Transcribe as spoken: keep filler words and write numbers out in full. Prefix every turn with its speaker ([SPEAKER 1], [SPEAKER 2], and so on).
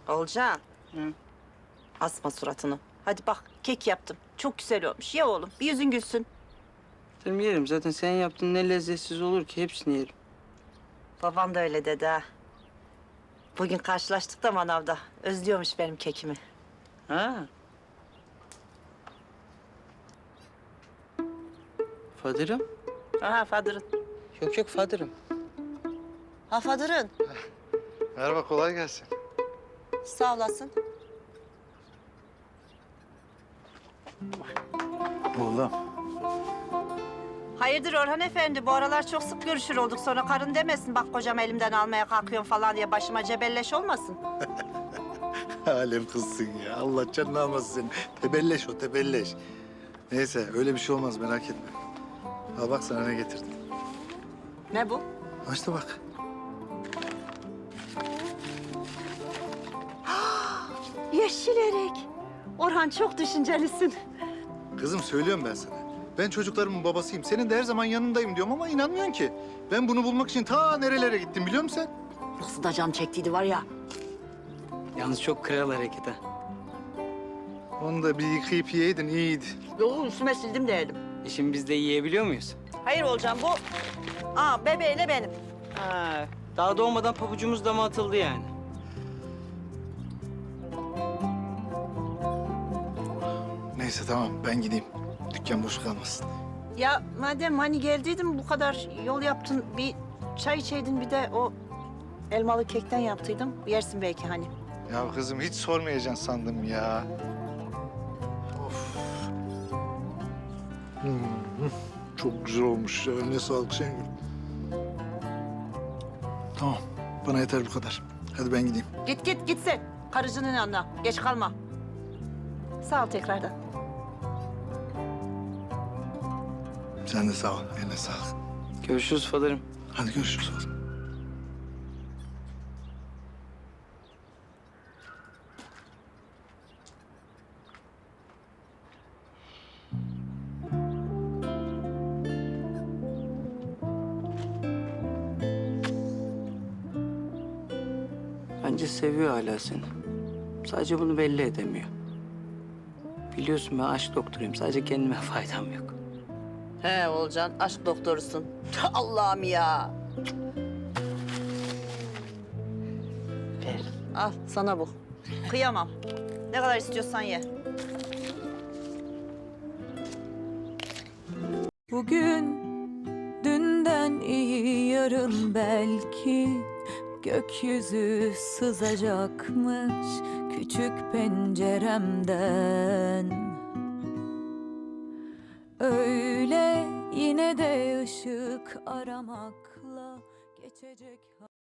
[SPEAKER 1] Olcan,
[SPEAKER 2] Hı.
[SPEAKER 1] asma suratını. Hadi bak, kek yaptım. Çok güzel olmuş. Ye oğlum, bir yüzün gülsün.
[SPEAKER 2] Canım yerim. Zaten sen yaptığın ne lezzetsiz olur ki. Hepsini yerim.
[SPEAKER 1] Babam da öyle dedi ha. Bugün karşılaştık da manavda. Özlüyormuş benim kekimi.
[SPEAKER 2] Ha. Fadırım?
[SPEAKER 1] Aha Fadır'ın.
[SPEAKER 2] Yok yok Fadırım.
[SPEAKER 1] Ha Fadır'ın.
[SPEAKER 3] Merhaba, kolay gelsin.
[SPEAKER 1] Sağ olasın.
[SPEAKER 3] Oğlum.
[SPEAKER 1] Hayırdır Orhan Efendi? Bu aralar çok sık görüşür olduk. Sonra karın demesin. Bak kocam elimden almaya kalkıyorsun falan diye başıma cebelleş olmasın.
[SPEAKER 3] Alem kızsın ya. Allah canını almasın seni. Tebelleş o, tebelleş. Neyse, öyle bir şey olmaz, merak etme. Al bak sana ne getirdim.
[SPEAKER 1] Ne bu?
[SPEAKER 3] Ha işte bak.
[SPEAKER 1] Yeşil erik. Orhan çok düşüncelisin.
[SPEAKER 3] Kızım söylüyorum ben sana. Ben çocuklarımın babasıyım. Senin de her zaman yanındayım diyorum ama inanmıyorsun ki. Ben bunu bulmak için ta nerelere gittim biliyor musun sen?
[SPEAKER 1] Nasıl da can çektiydi var ya.
[SPEAKER 2] Yalnız çok kral hareket ha.
[SPEAKER 3] Onu da bir yıkayıp yiyeydin iyiydi.
[SPEAKER 1] Yok üstüme sildim de elim.
[SPEAKER 2] E şimdi biz de yiyebiliyor muyuz?
[SPEAKER 1] Hayır Olcan bu. Aa bebeğiyle benim.
[SPEAKER 2] Ha. Daha doğmadan pabucumuz dama atıldı yani.
[SPEAKER 3] Neyse tamam ben gideyim. Dükkan boş kalmasın.
[SPEAKER 1] Ya madem hani geldiydim bu kadar yol yaptın bir çay içeydin bir de o elmalı kekten yaptıydım. Yersin belki hani.
[SPEAKER 3] Ya kızım hiç sormayacaksın sandım ya. Of. Hmm, çok güzel olmuş ya. Eline sağlık Şengül. Tamam. Bana yeter bu kadar. Hadi ben gideyim.
[SPEAKER 1] Git git git sen. Karıcının yanına. Geç kalma. Sağ ol tekrardan.
[SPEAKER 3] Sen de sağ ol. Eline sağlık.
[SPEAKER 2] Görüşürüz Fadırım.
[SPEAKER 3] Hadi görüşürüz oğlum.
[SPEAKER 2] Bence seviyor hala seni. Sadece bunu belli edemiyor. Biliyorsun ben aşk doktoruyum. Sadece kendime faydam yok.
[SPEAKER 1] He Olcan aşk doktorusun. Allah'ım ya. Ver. Al sana bu. Kıyamam. Ne kadar istiyorsan ye.
[SPEAKER 4] Bugün dünden iyi yarın belki gökyüzü sızacakmış küçük penceremden. Öyle yine de ışık aramakla geçecek.